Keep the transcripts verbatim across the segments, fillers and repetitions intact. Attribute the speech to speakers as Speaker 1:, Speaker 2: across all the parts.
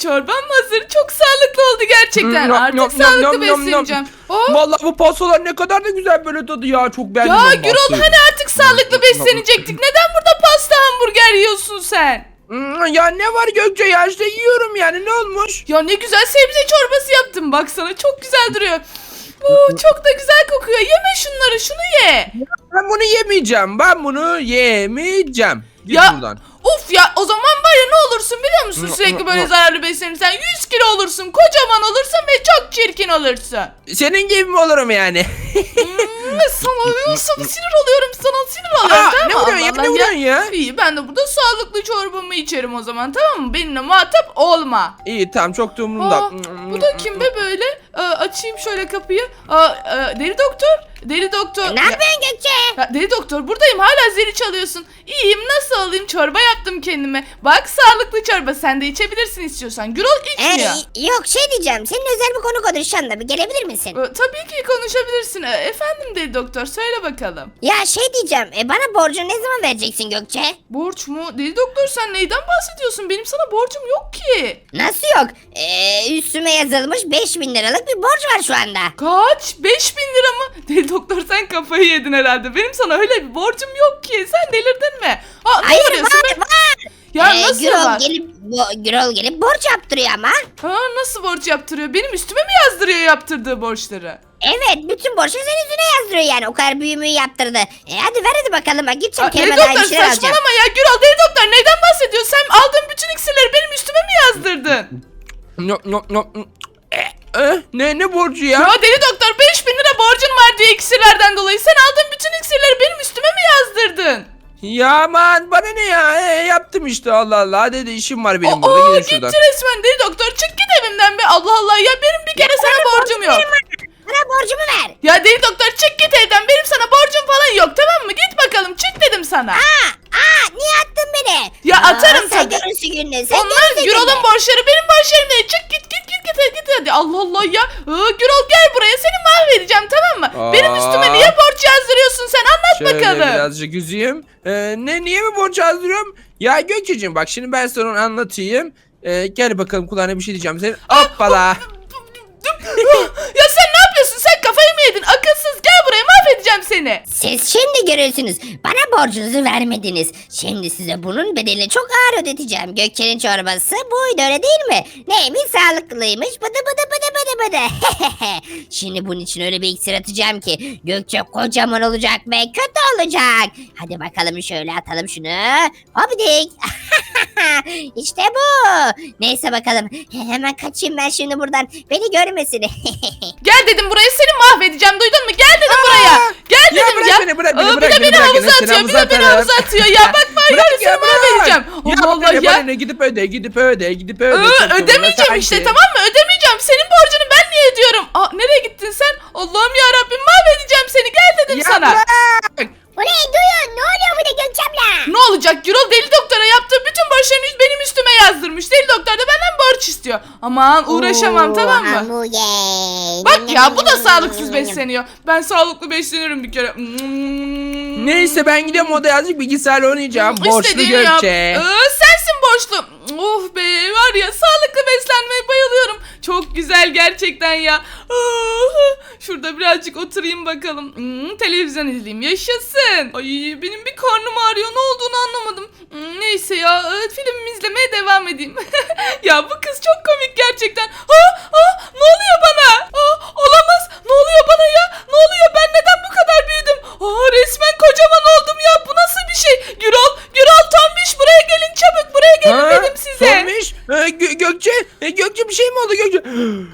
Speaker 1: çorbam hazır. Çok sağlıklı oldu gerçekten.
Speaker 2: Nom,
Speaker 1: Artık
Speaker 2: nom,
Speaker 1: sağlıklı
Speaker 2: nom, nom, nom.
Speaker 1: besleneceğim. Oh.
Speaker 2: Vallahi bu pastalar ne kadar da güzel böyle tadı ya. Çok beğendim
Speaker 1: Ya
Speaker 2: ben
Speaker 1: Gürol
Speaker 2: pastayı.
Speaker 1: hani artık sağlıklı beslenecektik. Neden burada pasta hamburger yiyorsun sen?
Speaker 2: Hmm, Ya ne var Gökçe ya, işte yiyorum yani, ne olmuş?
Speaker 1: Ya ne güzel sebze çorbası yaptım. Baksana çok güzel duruyor. Oo, çok da güzel kokuyor. Yeme şunları, şunu ye.
Speaker 2: Ben bunu yemeyeceğim. Ben bunu yemeyeceğim. Git
Speaker 1: Ya
Speaker 2: buradan.
Speaker 1: of ya, o zaman var ya, ne olursun biliyor musun? Sürekli böyle zararlı beslenirsen yüz kilo olursun, kocaman olursun ve çok çirkin olursun.
Speaker 2: Senin gibi mi olurum yani?
Speaker 1: Hmm, sana, sana sinir oluyorum, sana sinir oluyorum.
Speaker 2: Aa,
Speaker 1: tamam
Speaker 2: ne
Speaker 1: mı?
Speaker 2: vuruyorsun ya,
Speaker 1: Allah
Speaker 2: ne
Speaker 1: Allah
Speaker 2: vuruyorsun ya?
Speaker 1: İyi, ben de burada sağlıklı çorbamı içerim o zaman, tamam mı? Benimle muhatap olma.
Speaker 2: İyi tamam, çok da umurumda.
Speaker 1: Aa, bu da kim be böyle? Aa, açayım şöyle kapıyı. Aa, aa, deli doktor. Deli doktor.
Speaker 3: Ne yapıyorsun Gökçe?
Speaker 1: Ya, deli doktor, buradayım, hala zili çalıyorsun. İyiyim, nasıl olayım? Çorba yaptım kendime. Bak, sağlıklı çorba, sen de içebilirsin istiyorsan. Gürol içmiyor.
Speaker 3: Ee, yok şey diyeceğim. Senin özel bir konu konuşacağım da bir gelebilir misin?
Speaker 1: Ee, tabii ki konuşabilirsin. Ee, efendim deli doktor, söyle bakalım.
Speaker 3: Ya şey diyeceğim. E, bana borcunu ne zaman vereceksin Gökçe?
Speaker 1: Borç mu? Deli doktor, sen neyden bahsediyorsun? Benim sana borcum yok ki.
Speaker 3: Nasıl yok? Ee, üstüme yazılmış beş bin liralık bir borç var şu anda.
Speaker 1: Kaç? beş bin lira mı? Deli doktor, sen kafayı yedin herhalde. Benim sana öyle bir borcum yok ki. Sen delirdin mi? Aa, ne
Speaker 3: Hayır
Speaker 1: arıyorsun
Speaker 3: var
Speaker 1: be?
Speaker 3: var.
Speaker 1: Ya
Speaker 3: Ee,
Speaker 1: nasıl
Speaker 3: Gürol
Speaker 1: var?
Speaker 3: gelip bo- Gürol gelip borç yaptırıyor ama.
Speaker 1: Ha, nasıl borç yaptırıyor? Benim üstüme mi yazdırıyor yaptırdığı borçları?
Speaker 3: Evet, bütün borcu senin yüzüne yazdırıyor yani. O kadar büyümüğü yaptırdı. E hadi ver hadi bakalım. Bak gideceğim
Speaker 1: Aa, deli
Speaker 3: kendime daha
Speaker 1: doktor,
Speaker 3: bir şeyler alacağım.
Speaker 1: saçmalama ya. Gürol, deli doktor, neyden bahsediyorsun? Sen aldığın bütün iksirleri benim üstüme mi yazdırdın?
Speaker 2: No, no, no. Eh, eh, ne ne borcu ya?
Speaker 1: Ya deli doktor, beş bin lira borcun var diye iksirlerden dolayı. Sen aldığın bütün iksirleri benim üstüme mi yazdırdın?
Speaker 2: Ya aman bana ne ya? E, yaptım işte, Allah Allah. Hadi de işim var benim
Speaker 1: Aa,
Speaker 2: burada. Gidin
Speaker 1: gitti
Speaker 2: şuradan.
Speaker 1: resmen deli doktor. Çık git evimden be. Allah Allah ya, benim bir kere sana borcum yok.
Speaker 3: Bana borcumu ver.
Speaker 1: Ya deli doktor, çık git evden. Benim sana borcum falan yok, tamam mı? Git bakalım, çık dedim sana.
Speaker 3: Aa, aa niye attın beni?
Speaker 1: Ya
Speaker 3: Aa,
Speaker 1: atarım
Speaker 3: sen
Speaker 1: tabii.
Speaker 3: görürsün gününü. Sen
Speaker 1: Onlar
Speaker 3: görürsün
Speaker 1: Gürol'un
Speaker 3: gününü.
Speaker 1: borçları, benim borçlarım değil. Çık git git git git git hadi. Allah Allah ya. Aa, Gürol gel buraya, seni mahvedeceğim, tamam mı?
Speaker 2: Aa.
Speaker 1: Benim üstüme niye borç yazdırıyorsun sen? Anlat
Speaker 2: Şöyle
Speaker 1: bakalım.
Speaker 2: birazcık üzeyim. Ee, ne niye mi borç yazdırıyorum? Ya Gökçe'cim bak, şimdi ben sana onu anlatayım. Ee, gel bakalım, kulağına bir şey diyeceğim senin. Hoppala.
Speaker 1: Ya sen ne yapıyorsun? Sen kafayı mı yedin? Akılsız, gel buraya, mahvedeceğim seni.
Speaker 3: Siz şimdi görürsünüz. Bana borcunuzu vermediniz. Şimdi size bunun bedelini çok ağır ödeteceğim. Gökçe'nin çorbası buydu, öyle değil mi? Neymiş, sağlıklıymış. Bıdı bıdı bıdı bıdı bıdı. Şimdi bunun için öyle bir iksir atacağım ki Gökçe kocaman olacak ve kötü olacak. Hadi bakalım, şöyle atalım şunu. Hopidik. İşte bu. Neyse bakalım. Hemen kaçayım ben şimdi buradan. Beni görmesin.
Speaker 1: Gel dedim buraya, seni mahvedeceğim, duydun mu? Gel dedim buraya. Gel
Speaker 2: Ya
Speaker 1: dedim
Speaker 2: bırak
Speaker 1: ya.
Speaker 2: beni, bırak beni,
Speaker 1: Aa,
Speaker 2: bırak
Speaker 1: bir de
Speaker 2: beni,
Speaker 1: beni
Speaker 2: bırak
Speaker 1: havuza
Speaker 2: beni, seni
Speaker 1: atıyor. Bir de beni
Speaker 2: havuza
Speaker 1: havuza
Speaker 2: atarım.
Speaker 1: atıyor. Ya bak bak,
Speaker 2: Bırak
Speaker 1: seni
Speaker 2: ya, bırak.
Speaker 1: mahvedeceğim.
Speaker 2: Ya
Speaker 1: Allah Allah
Speaker 2: bana ne, bana
Speaker 1: ya.
Speaker 2: ne? Gidip öde, gidip öde, gidip öde.
Speaker 1: Iı,
Speaker 2: Çok
Speaker 1: ödemeyeceğim
Speaker 2: zorunda
Speaker 1: işte,
Speaker 2: sanki.
Speaker 1: tamam mı? Ödemeyeceğim. Senin borcunu ben niye ödüyorum? Aa, nereye gittin sen? Allah'ım ya Rabbim, mahvedeceğim seni. Gel dedim
Speaker 2: Ya
Speaker 1: sana.
Speaker 2: bırak.
Speaker 3: Ulan duyun, ne oluyor burada Gökçem'le?
Speaker 1: Ne olacak? Gürol deli doktora yaptığı bütün borçlarını benim üstüme yazdırmış. Deli doktor da benden borç istiyor. Aman uğraşamam, tamam mı?
Speaker 3: Hamburger.
Speaker 1: Bak ya, bu da sağlıksız besleniyor. Ben sağlıklı besleniyorum bir kere.
Speaker 2: Neyse ben gidiyorum odaya, azıcık bilgisayarla oynayacağım. Borçlu
Speaker 1: İstediğini yap.
Speaker 2: Gökçe.
Speaker 1: Ee, sensin borçlu. Of be, var ya, sağlıklı beslenmeye bayılıyorum. Çok güzel gerçekten ya. Ah, şurada birazcık oturayım bakalım. Hmm, televizyon izleyeyim, yaşasın. Ay, benim bir karnım ağrıyor, ne olduğunu anlamadım. Hmm, neyse ya, e, filmimi izlemeye devam edeyim. Ya bu kız çok komik gerçekten. Ha, ha, ne oluyor bana? Aa, olamaz. Ne oluyor bana ya? Ne oluyor? Ben neden bu kadar büyüdüm? Aa, resmen kocaman oldum ya. Bu nasıl bir şey? Gürol, Gürol, Tombiş, buraya gelin çabuk. Buraya gelin
Speaker 2: Ha?
Speaker 1: dedim size.
Speaker 2: Sormuş. Ee, Gö- Gökçe, e, Gökçe bir şey mi oldu Gökçe?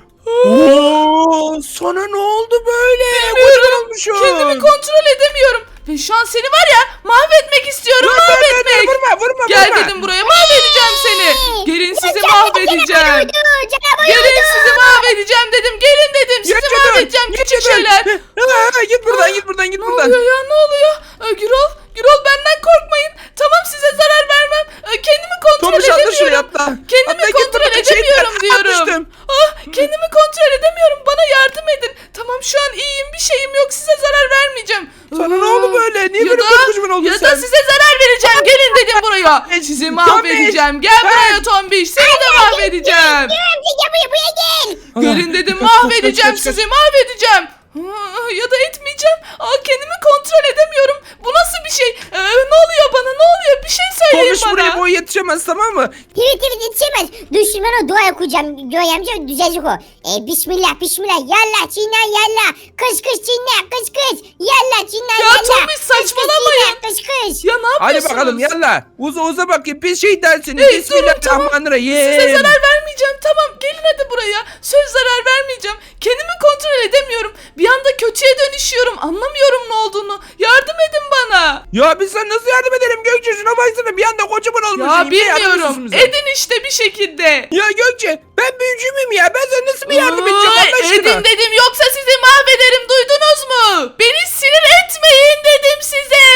Speaker 2: Oo, sana ne oldu böyle? Kocaman olmuşsun.
Speaker 1: Kendimi kontrol edemiyorum. Ve şu an seni var ya, mahvetmek istiyorum.
Speaker 2: Dur, dur, dur,
Speaker 1: mahvetmek.
Speaker 2: dur, vurma, vurma,
Speaker 1: Gel
Speaker 2: vurma.
Speaker 1: dedim buraya, mahvedeceğim seni. Gelin sizi mahvedeceğim. Gelin sizi mahvedeceğim dedim. Gelin dedim, sizi
Speaker 2: Gökçe dur,
Speaker 1: mahvedeceğim
Speaker 2: Gökçe
Speaker 1: küçük
Speaker 2: dur.
Speaker 1: şeyler.
Speaker 2: Ha, ha, git buradan, git buradan, git
Speaker 1: Ne
Speaker 2: buradan.
Speaker 1: oluyor ya, ne oluyor? Ee, Gürol, Gürol, benden korkmayın. Tamam, size zarar vermem. Ee, kendimi kontrol
Speaker 2: Tomuş atla şuraya,
Speaker 1: edemiyorum.
Speaker 2: atla.
Speaker 1: Kendimi
Speaker 2: Atla, git
Speaker 1: kontrol
Speaker 2: buradan,
Speaker 1: edemiyorum
Speaker 2: şeytan,
Speaker 1: diyorum.
Speaker 2: atmıştım.
Speaker 1: Ah, kendimi kontrol edemiyorum. Bana yardım edin. Tamam, şu an iyiyim, bir şeyim yok. Size zarar vermeyeceğim.
Speaker 2: Sana ne oldu böyle? Niye
Speaker 1: Ya
Speaker 2: böyle
Speaker 1: da-
Speaker 2: kocaman oldun
Speaker 1: Ya
Speaker 2: sen?
Speaker 1: da size zarar vereceğim. Gelin dedim buraya. Sizi mahvedeceğim. Gel
Speaker 2: Tombiş,
Speaker 1: buraya
Speaker 2: ben-
Speaker 1: Tombiş. Seni de mahvedeceğim. mahvedeceğim.
Speaker 3: Göğe amca gel buraya buraya gel.
Speaker 1: Gelin dedim,
Speaker 2: Kaç, kaç,
Speaker 1: mahvedeceğim
Speaker 2: kaç, kaç,
Speaker 1: sizi, mahvedeceğim. Aa, ya da etmeyeceğim. Aa, kendimi kontrol edemiyorum. Bu nasıl bir şey? Ee, ne oluyor bana? Ne oluyor? Bir şey söyleyin
Speaker 2: Tomiş buraya
Speaker 1: bana.
Speaker 2: boy yetişemez, tamam mı?
Speaker 3: Evet evet yetişemez. Dur şimdi ben o dua okuyacağım. Göğe amca düzelecek o. E, bismillah bismillah. Yallah çiğne yallah. Kış kış çiğne kış kış. Yallah çiğne
Speaker 1: Ya
Speaker 3: yallah.
Speaker 1: Tomiş,
Speaker 3: Kış, kış,
Speaker 1: saçmalamayın.
Speaker 3: çiğne, Kış kış.
Speaker 1: Ya ne
Speaker 2: Hadi
Speaker 1: yapıyorsunuz?
Speaker 2: bakalım yalla. Uza uza bakayım pis şeytan seni.
Speaker 1: Hey, durun,
Speaker 2: Bismillahirrahmanirrahim.
Speaker 1: Size zarar vermeyeceğim. Tamam, gelin hadi buraya. Söz zarar vermeyeceğim. Kendimi kontrol edemiyorum. Bir anda kötüye dönüşüyorum. Anlamıyorum ne olduğunu. Yardım edin bana.
Speaker 2: Ya biz sana nasıl yardım edelim Gökçe? Şuna baksana bir anda kocaman olmuş.
Speaker 1: Ya
Speaker 2: İyi, yardım ediyorsun
Speaker 1: bilmiyorum.
Speaker 2: bize.
Speaker 1: Edin işte bir şekilde.
Speaker 2: Ya Gökçe ben büyücü müyüm ya? Ben sana nasıl bir yardım edeceğim
Speaker 1: Ay,
Speaker 2: Allah aşkına?
Speaker 1: edin dedim, yoksa sizi mahvederim, duydunuz mu? Beni sinir etmeyin dedim size.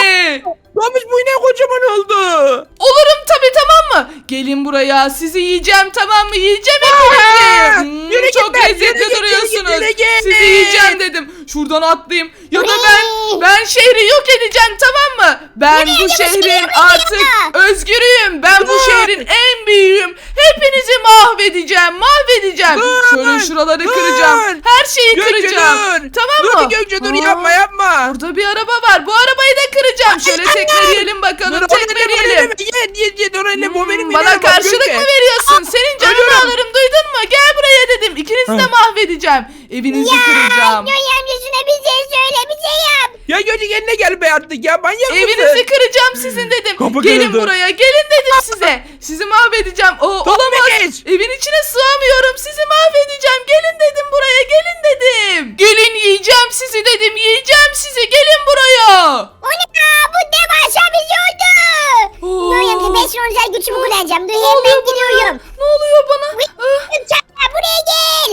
Speaker 2: Tomiş bu yine kocaman oldu.
Speaker 1: Olurum tabii, tamam mı? Gelin buraya, sizi yiyeceğim, tamam mı? Yiyeceğim
Speaker 2: Aa,
Speaker 1: hepinizi. Hmm,
Speaker 2: yürü git
Speaker 1: çok
Speaker 2: lan,
Speaker 1: lezzetli
Speaker 2: yürü git, yürü
Speaker 1: duruyorsunuz.
Speaker 2: git, yürü git.
Speaker 1: Sizi yiyeceğim dedim. Şuradan atlayayım. Ya da ben ben şehri yok edeceğim, tamam mı? Ben bu şehrin artık özgürüyüm. Ben bu
Speaker 2: Dur.
Speaker 1: şehrin en büyüğüyüm. Hepinizi mahvedeceğim, mahvedeceğim.
Speaker 2: Dur.
Speaker 1: Şöyle şuraları
Speaker 2: Dur.
Speaker 1: kıracağım. Her şeyi
Speaker 2: Gökçe
Speaker 1: kıracağım.
Speaker 2: dur.
Speaker 1: Tamam
Speaker 2: dur
Speaker 1: mı?
Speaker 2: bir Gökçe dur
Speaker 1: Aa,
Speaker 2: yapma yapma.
Speaker 1: Burada bir araba var. Bu arabayı da kıracağım. Şöyle tekmeleyelim bakalım. Tekmeleyelim.
Speaker 2: Ye ye ye dur öyle bu benim
Speaker 1: Hmm, bana
Speaker 2: ineğim, bak
Speaker 1: karşılık
Speaker 2: Gökçe.
Speaker 1: mı veriyorsun? Senin canını
Speaker 2: ölüyorum.
Speaker 1: alırım, duydun mu? Gel buraya dedim. İkinizi de
Speaker 2: Ha.
Speaker 1: mahvedeceğim. Evinizi kıracağım.
Speaker 3: Göğe amca şuna bir şey söyle bir şey yap.
Speaker 2: Ya Gökçe kendine gel be artık ya manyak mısın?
Speaker 1: Evinizi kıracağım sizin dedim.
Speaker 2: Kapı
Speaker 1: Gelin
Speaker 2: kırıldı.
Speaker 1: buraya, gelin dedim size. Sizi mahvedeceğim. O olamaz.
Speaker 2: geç.
Speaker 1: Evin içine sığamıyorum. Sizi mahvedeceğim. Gelin dedim buraya, gelin dedim. Gelin, yiyeceğim sizi dedim. Yiyeceğim sizi. Gelin buraya.
Speaker 3: O ne ya bu devasa bir şey oldu.
Speaker 1: Oo.
Speaker 3: Göğe amca ben şimdi özel gücümü kullanacağım. Dur
Speaker 1: Ne
Speaker 3: hemen
Speaker 1: oluyor bana?
Speaker 3: gidiyorum.
Speaker 1: Ne oluyor bana? Ah.
Speaker 3: Gökçe buraya gel.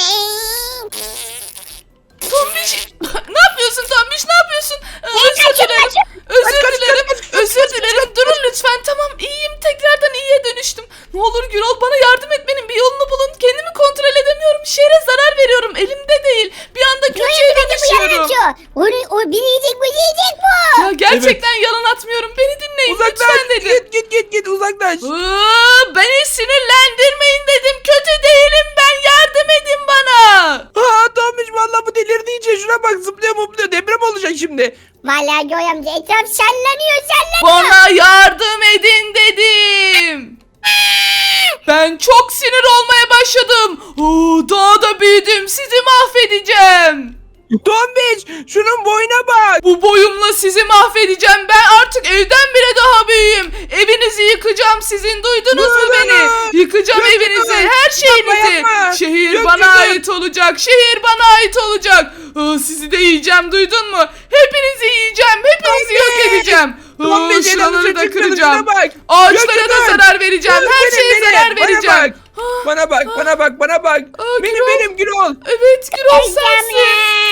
Speaker 1: Tombiş, ne yapıyorsun Tombiş, ne yapıyorsun? Ee,
Speaker 3: Ben
Speaker 1: özür
Speaker 3: kaçıyorum,
Speaker 1: dilerim,
Speaker 3: kaçıyorum.
Speaker 1: özür
Speaker 2: Kaç, kaç,
Speaker 1: dilerim,
Speaker 2: kaç, kaç,
Speaker 1: özür
Speaker 2: kaç,
Speaker 1: dilerim.
Speaker 2: kaç,
Speaker 1: Durun lütfen, tamam, iyiyim, tekrardan iyiye dönüştüm. Ne olur Gürol, bana yardım etmenin bir yolunu bulun. Kendimi kontrol edemiyorum, şehre zarar veriyorum, elimde değil. Bir anda kötüye dönüşüyorum.
Speaker 3: O, o biri yiyecek bu yiyecek bu.
Speaker 1: Ya gerçekten yalan atmıyorum, beni dinleyin
Speaker 2: Uzaklaş
Speaker 1: lütfen dedim.
Speaker 2: git git git git uzaklaş.
Speaker 1: Iıı, beni sinirlendirmeyin dedim, kötü değilim ben, yardım edin bana.
Speaker 2: Ha Tomiş vallahi bu delirdi iyice şuna bak zıplıyor mupluyor deprem olacak şimdi.
Speaker 3: Vallahi Göğe amca etraf sallanıyor sallanıyor.
Speaker 1: Bana yardım edin dedim. Ben çok sinir olmaya başladım. Oo, daha da büyüdüm. Sizi mahvedeceğim.
Speaker 2: Tomiş şunun boyuna bak.
Speaker 1: Bu boyumla sizi mahvedeceğim. Ben artık evden bile daha büyüğüm. Evinizi yıkacağım sizin. Duydunuz mu
Speaker 2: Dur,
Speaker 1: beni?
Speaker 2: dur.
Speaker 1: Yıkacağım
Speaker 2: Gökçe,
Speaker 1: evinizi.
Speaker 2: dur.
Speaker 1: Her şeyinizi.
Speaker 2: Yapma, yapma.
Speaker 1: Şehir
Speaker 2: Gökçe,
Speaker 1: bana
Speaker 2: dur.
Speaker 1: ait olacak. Şehir bana ait olacak. Aa, sizi de yiyeceğim. Duydun mu? Hepinizi yiyeceğim. Hepinizi yok
Speaker 2: Tomiş.
Speaker 1: edeceğim. Aa,
Speaker 2: Tomiş,
Speaker 1: şuraları
Speaker 2: elimize
Speaker 1: da
Speaker 2: çıkmadı,
Speaker 1: kıracağım.
Speaker 2: şuna bak.
Speaker 1: Ağaçlara
Speaker 2: Gökçe,
Speaker 1: da
Speaker 2: dur.
Speaker 1: zarar vereceğim.
Speaker 2: Dur,
Speaker 1: Her
Speaker 2: benim,
Speaker 1: şeye
Speaker 2: benim.
Speaker 1: zarar
Speaker 2: Bana
Speaker 1: vereceğim.
Speaker 2: bak.
Speaker 1: Ah,
Speaker 2: Bana bak bana bak bana bak.
Speaker 1: Aa,
Speaker 2: Benim
Speaker 1: Gürol.
Speaker 2: benim Gürol.
Speaker 1: Evet, Gürol sensin.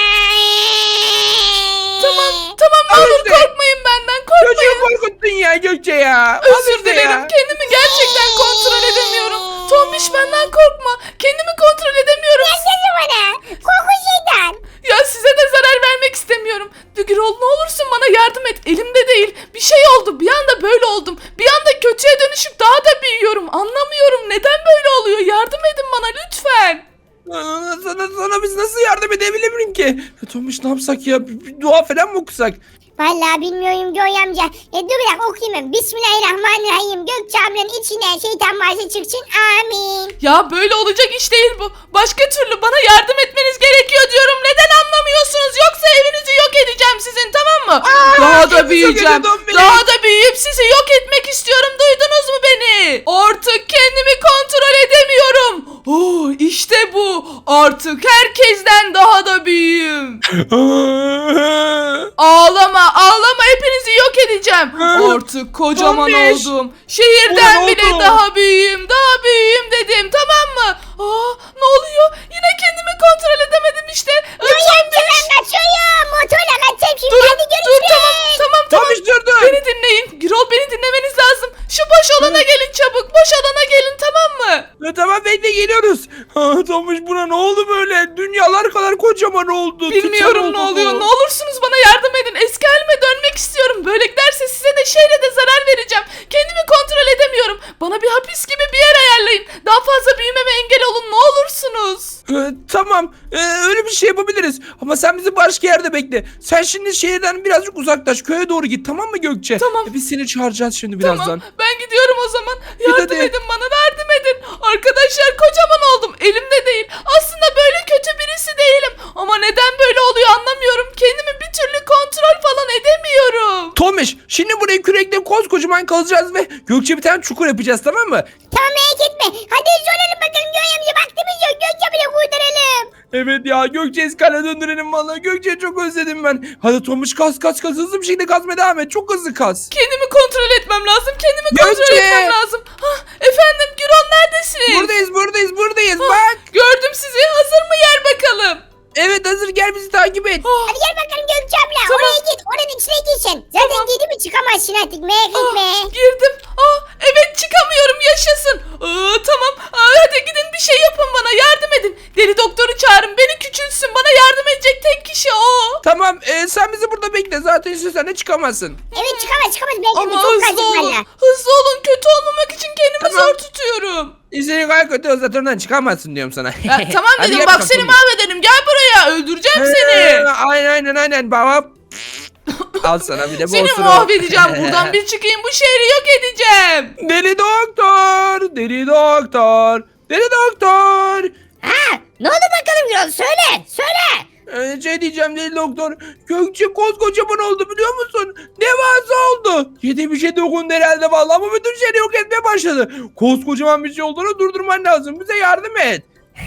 Speaker 1: Tamam, tamam, ne
Speaker 2: Al
Speaker 1: olur
Speaker 2: işte.
Speaker 1: korkmayın benden,
Speaker 2: Çocuğu
Speaker 1: korkmayın.
Speaker 2: korkuttun ya Gökçe ya. Al
Speaker 1: Özür
Speaker 2: işte
Speaker 1: dilerim,
Speaker 2: ya.
Speaker 1: kendimi gerçekten kontrol edemiyorum. Tombiş, benden korkma, kendimi kontrol edemiyorum.
Speaker 3: Sesi bana. Korku şeytan.
Speaker 1: Ya size de zarar vermek istemiyorum. Gürol, ne olursun bana yardım et, elimde değil. Bir şey oldu, bir anda böyle oldum. Bir anda kötüye dönüşüp daha da büyüyorum. Anlamıyorum, neden böyle oluyor, yardım edin bana lütfen.
Speaker 2: Aa, Sana, sana biz nasıl yardım edebilirim ki? Tomiş ne yapsak ya? Bir, bir dua falan mı okusak?
Speaker 3: Vallahi bilmiyorum Göğe amca. E, dur bir dakika okuyayım ben. Bismillahirrahmanirrahim. Gökçe ablanın içinden şeytan varsa çıksın. Amin.
Speaker 1: Ya böyle olacak iş değil bu. Başka türlü bana yardım etmeniz gerekiyor diyorum. Neden anlamıyorsunuz? Yoksa evinizi yok edeceğim sizin, tamam mı?
Speaker 2: Aa,
Speaker 1: Daha da
Speaker 2: evinizi
Speaker 1: büyüyeceğim.
Speaker 2: yok edin,
Speaker 1: Daha da büyüyüp sizi yok etmek istiyorum. Duydunuz mu beni? Artık kendimi kontrol edemiyorum. Oh, işte bu. Artık herkesten daha da büyüğüm. Ağlama, ağlama, hepinizi yok edeceğim. Artık kocaman
Speaker 2: Tombiş.
Speaker 1: oldum. Şehirden
Speaker 2: Ulan
Speaker 1: bile
Speaker 2: oldu.
Speaker 1: daha büyüğüm, daha büyüğüm dedim, tamam mı? Aa, ne oluyor? Yine kendimi kontrol edemedim işte. Aa,
Speaker 3: Göğe amca
Speaker 1: Tombiş.
Speaker 3: ben kaçıyorum. Motorla kaçacağım şimdi.
Speaker 1: Durun,
Speaker 3: Hadi
Speaker 1: dur,
Speaker 3: görüşürüz.
Speaker 1: tamam, tamam, tamam.
Speaker 2: Tomiş dur dur.
Speaker 1: Beni dinleyin. Gürol, beni dinlemeniz lazım. Şu boş alana gelin çabuk. Boş alana gelin, tamam mı?
Speaker 2: Ee, E, tamam bekle geliyoruz. Ha, Tomuş buna ne oldu böyle? Dünyalar kadar kocaman oldu. Titan
Speaker 1: Bilmiyorum
Speaker 2: oldu
Speaker 1: ne
Speaker 2: bu.
Speaker 1: oluyor. Ne olursunuz bana yardım edin. Eski halime dönmek istiyorum. Böyle giderse size de şeyle de zarar vereceğim. Kendimi kontrol edemiyorum. Bana bir hapis gibi bir yer ayarlayın. Daha fazla büyümeme engel olun ne olursunuz.
Speaker 2: E, tamam e, öyle bir şey yapabiliriz. Ama sen bizi başka yerde bekle. Sen şimdi şehirden birazcık uzaklaş. Köye doğru git tamam mı Gökçe?
Speaker 1: Tamam.
Speaker 2: E, biz seni çağıracağız şimdi birazdan.
Speaker 1: Tamam ben gidiyorum o zaman. Yardım
Speaker 2: hadi.
Speaker 1: edin bana yardım edin. Arkadaşlar kocaman oldum. Elimde değil. Aslında böyle kötü birisi değilim. Ama neden böyle oluyor anlamıyorum. Kendimi bir türlü kontrol falan edemiyorum.
Speaker 2: Tomiş şimdi burayı kürekle koskocaman kazacağız ve Gökçe bir tane çukur yapacağız tamam mı?
Speaker 3: Tamam merak etme. Hadi soralım bakalım Göğe amca vaktimiz yok. Gökçe bile kurtaralım.
Speaker 2: Evet ya Gökçe eskale döndürelim vallahi Gökçe'yi çok özledim ben. Hadi Tomiş kaz kaz kaz hızlı bir şekilde kazmaya devam et çok hızlı kaz.
Speaker 1: Kendimi kontrol etmem lazım. Kendimi kontrol
Speaker 2: Gökçe!
Speaker 1: etmem lazım. Hah, efendim Gürol neredesiniz?
Speaker 2: Buradayız buradayız buradayız
Speaker 1: Hah,
Speaker 2: bak.
Speaker 1: gördüm sizi. Hazır mı yer bakalım?
Speaker 2: Evet hazır gel bizi takip et.
Speaker 1: Ah,
Speaker 3: Hadi gel bakalım Gökçe abla.
Speaker 1: Tamam.
Speaker 3: Oraya git. Oranın içine girsin. Zaten
Speaker 1: Tamam.
Speaker 3: girdi mi çıkamazsın artık. Merak
Speaker 1: ah,
Speaker 3: etme.
Speaker 1: girdim. Ah, evet çıkamıyorum yaşasın. Aa, tamam Aa, hadi gidin bir şey yapın bana yardım edin. Deli doktoru çağırın beni küçülsün. Bana yardım edecek tek kişi o.
Speaker 2: Tamam e, sen bizi burada bekle zaten istiyorsan de çıkamazsın.
Speaker 3: Evet çıkamaz çıkamaz. Belki
Speaker 1: Ama
Speaker 3: bu çok
Speaker 1: hızlı
Speaker 3: kaçık
Speaker 1: olun.
Speaker 3: valla.
Speaker 1: Hızlı olun. Kötü olmamak için kendimi
Speaker 2: Tamam.
Speaker 1: zor tutuyorum.
Speaker 2: İstediğin kadar kötü olsa oradan çıkamazsın diyorum sana.
Speaker 1: Ya, tamam
Speaker 2: Hadi
Speaker 1: dedim
Speaker 2: gel
Speaker 1: bak
Speaker 2: bakalım
Speaker 1: seni
Speaker 2: Tomiş.
Speaker 1: mahvederim. Gel buraya öldüreceğim
Speaker 2: Ee,
Speaker 1: seni.
Speaker 2: Aynen aynen aynen baba. Al sana bir de
Speaker 1: Seni
Speaker 2: bolsunu.
Speaker 1: mahvedeceğim. Buradan bir çıkayım bu şehri yok edeceğim.
Speaker 2: Deli doktor, deli doktor, deli doktor.
Speaker 3: Ha, ne oldu bakalım Gürol? Söyle. Söyle.
Speaker 2: Ee, şey diyeceğim deli doktor. Gökçe koskocaman oldu biliyor musun? Devasa oldu. Yedi bir şey dokundu herhalde vallahi ama bütün şehri yok etmeye başladı. Koskocaman bir şey olduğunu durdurman lazım. Bize yardım et.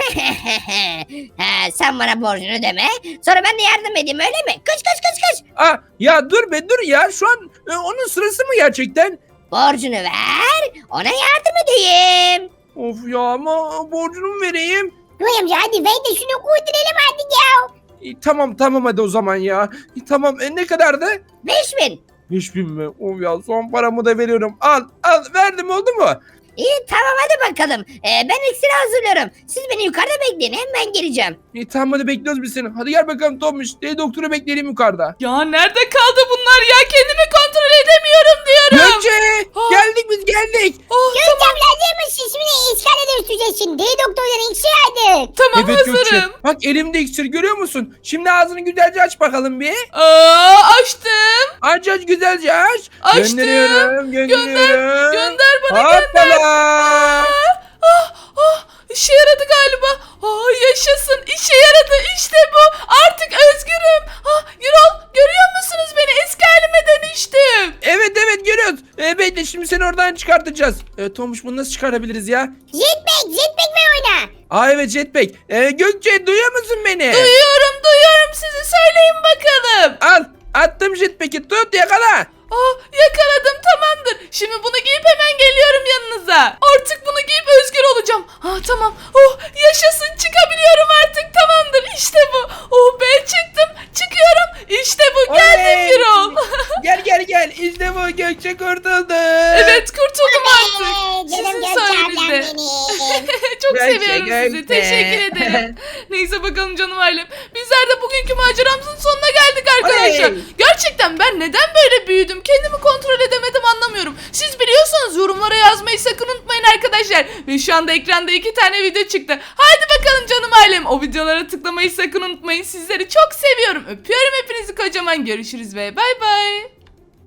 Speaker 3: ha, sen bana borcunu ödeme. Sonra ben de yardım edeyim öyle mi? Kış kış kış kış.
Speaker 2: Aa, ya dur be dur ya. Şu an e, onun sırası mı gerçekten?
Speaker 3: Borcunu ver. Ona yardım edeyim.
Speaker 2: Of ya ama borcunu mu vereyim?
Speaker 3: Göğe amca hadi ver de şunu kurtaralım artık ya.
Speaker 2: İyi, tamam tamam hadi o zaman ya. İyi, tamam e, ne kadardı?
Speaker 3: Beş bin.
Speaker 2: Beş bin mi? Of ya son paramı da veriyorum. Al al verdim oldu mu?
Speaker 3: İyi tamam hadi bakalım. Ee, ben iksiri hazırlıyorum. Siz beni yukarıda bekleyin hemen geleceğim.
Speaker 2: İyi tamam hadi bekliyoruz biz seni. Hadi gel bakalım Tomuş. Deli doktoru bekleyelim yukarıda.
Speaker 1: Ya nerede kaldı bunlar ya? Kendimi kontrol edemiyorum diyorum.
Speaker 2: Gökçe
Speaker 1: Ah.
Speaker 2: geldik biz geldik.
Speaker 1: Oh,
Speaker 3: Gökçe abla hazır mısın? Şimdi işgal edemeyeceksin. Deli doktorların işi aldık.
Speaker 1: tamam
Speaker 2: Evet Gökçe.
Speaker 1: hazırım.
Speaker 2: Bak elimde iksir görüyor musun? Şimdi ağzını güzelce aç bakalım bir.
Speaker 1: Aa, açtım.
Speaker 2: Aç aç güzelce aç.
Speaker 1: Açtım.
Speaker 2: Gönderiyorum gönderiyorum.
Speaker 1: Gönder bana gönder.
Speaker 2: Hoppala.
Speaker 1: Ah, ah, işe yaradı galiba. Ah, yaşasın. İşe yaradı. İşte bu. Artık özgürüm. Ah, Gürol görüyor musunuz beni? Eski halime dönüştüm.
Speaker 2: Evet evet görüyoruz. E, bekle şimdi seni oradan çıkartacağız. E, Tomuş bunu nasıl çıkarabiliriz ya?
Speaker 3: Jetpack, jetpack ver oyna.
Speaker 2: Aa evet jetpack. E, Gökçe duyuyor musun beni?
Speaker 1: Duyuyorum duyuyorum sizi. Söyleyin bakalım.
Speaker 2: Al attım jetpack'i tut yakala.
Speaker 1: Ah, yakaladım tamamdır. Şimdi bunu giyip hemen geliyorum yanınıza. Artık bunu giyip özgür olacağım. Ah tamam. Oh yaşasın çıkabiliyorum artık tamamdır. İşte bu. Oh be çıktım. Çıkıyorum. İşte bu. Geldim
Speaker 2: Oley.
Speaker 1: Gürol.
Speaker 2: Gel gel gel işte bu Gökçe kurtuldu.
Speaker 1: Evet kurtuldum artık.
Speaker 3: Ee,
Speaker 1: Sizin
Speaker 3: canım Gökçe ablam
Speaker 1: sayenizde.
Speaker 3: benim.
Speaker 1: Çok
Speaker 2: Gökçe,
Speaker 1: seviyorum sizi.
Speaker 2: Gökçe.
Speaker 1: Teşekkür ederim. Neyse bakalım canım ailem. Bizler de bugünkü maceramızın sonuna geldik arkadaşlar.
Speaker 2: Oley.
Speaker 1: Gerçekten ben neden böyle büyüdüm? Kendimi kontrol edemedim anlamıyorum. Siz biliyorsanız yorumlara yazmayı sakın unutmayın arkadaşlar. Ve şu anda ekranda iki tane video çıktı. Haydi bakalım canım ailem. O videolara tıklamayı sakın unutmayın. Sizleri çok seviyorum. Öpüyorum hepinizi kocaman. Görüşürüz ve bay bay.